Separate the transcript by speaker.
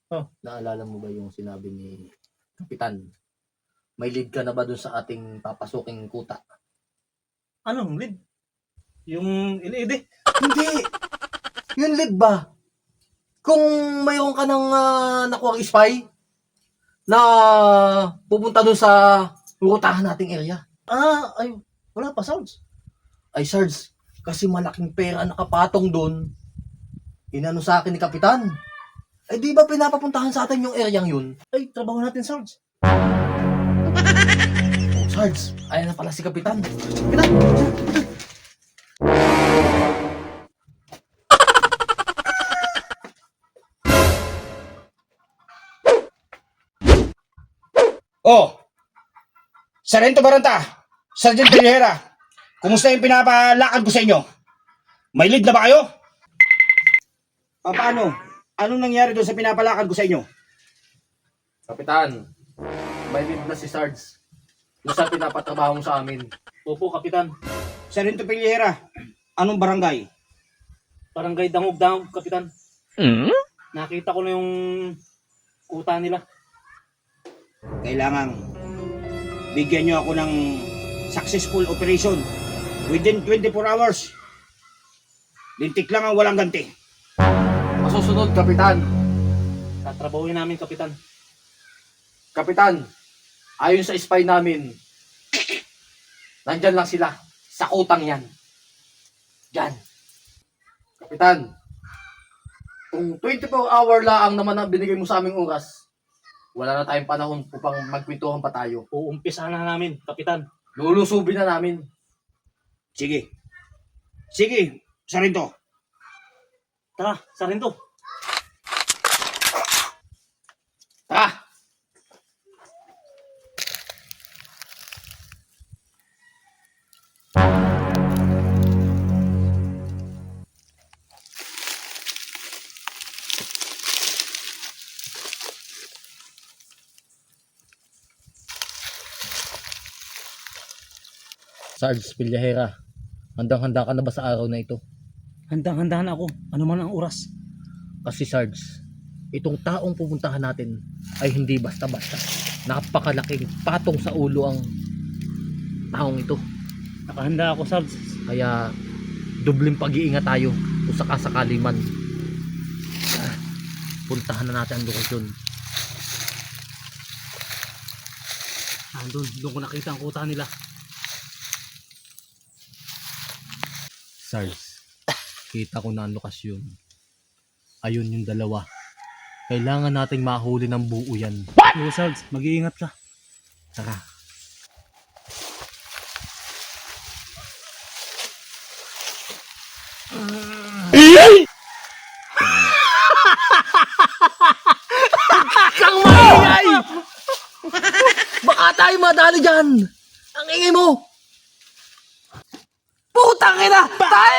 Speaker 1: Oh.
Speaker 2: Naalala mo ba yung sinabi ni Kapitan? May lead ka na ba dun sa ating papasuking kuta?
Speaker 1: Anong lead? Yung LED?
Speaker 2: Hindi! Yung lead ba? Kung mayroon ka ng nakuha spy na pupunta dun sa rutahan nating area.
Speaker 1: Ay, wala pa, Sarge.
Speaker 2: Ay, Sarge, kasi malaking pera nakapatong dun. Inano sa akin ni Kapitan. Ay, di ba pinapapuntahan sa atin yung area yun?
Speaker 1: Ay, trabaho natin, Sarge.
Speaker 2: Oh, Sarge, ayan na pala si Kapitan. Kapitan!
Speaker 3: Oh, Sargento Baranta, Sergeant Peñera, kumusta yung pinapalakad ko sa inyo? May lead na ba kayo? Paano? Anong nangyari doon sa pinapalakad ko sa inyo?
Speaker 2: Kapitan, may lead na si Sarge. Yung sa pinapatrabaho mo sa amin.
Speaker 1: Opo, Kapitan.
Speaker 3: Sargento Peñera, anong barangay?
Speaker 1: Barangay Dangog-Dangog, Kapitan. Nakita ko na yung kuta nila.
Speaker 3: Kailangan bigyan nyo ako ng successful operation within 24 hours. Lintik lang ang walang ganti.
Speaker 2: Masusunod, Kapitan.
Speaker 1: Tatrabahuin namin, Kapitan.
Speaker 2: Kapitan, ayon sa spy namin, nandyan lang sila sa kutang yan. Diyan. Kapitan, kung 24-hour lang naman ang binigay mo sa aming oras, wala na tayong panahon upang magkwentuhan pa tayo.
Speaker 1: Uumpisahan na namin, Kapitan.
Speaker 2: Lulusubin na namin.
Speaker 3: Sige. Sige, Sargento.
Speaker 1: Tara, Sargento.
Speaker 2: Tara! Sarge Villahera, handang-handa ka na ba sa araw na ito?
Speaker 1: Handang-handa na ako. Ano man ang oras.
Speaker 2: Kasi Sarge, itong taong pupuntahan natin ay hindi basta-basta. Napakalaking patong sa ulo ang taong ito.
Speaker 1: Nakahanda ako, Sarge.
Speaker 2: Kaya dubling pag-iingat tayo kung sakasakali man. Puntahan na natin ang lokasyon.
Speaker 1: Doon ko nakita ang kuta nila.
Speaker 2: Sarge, kita ko na ang lokasyon. Ayun yung dalawa. Kailangan nating mahuli ng buo yan.
Speaker 1: Oo, Sarge. Mag-iingat ka.
Speaker 2: Tara. Kang maingay! Baka tayo madali dyan! Ang ingay mo! Putang ina! Tayo!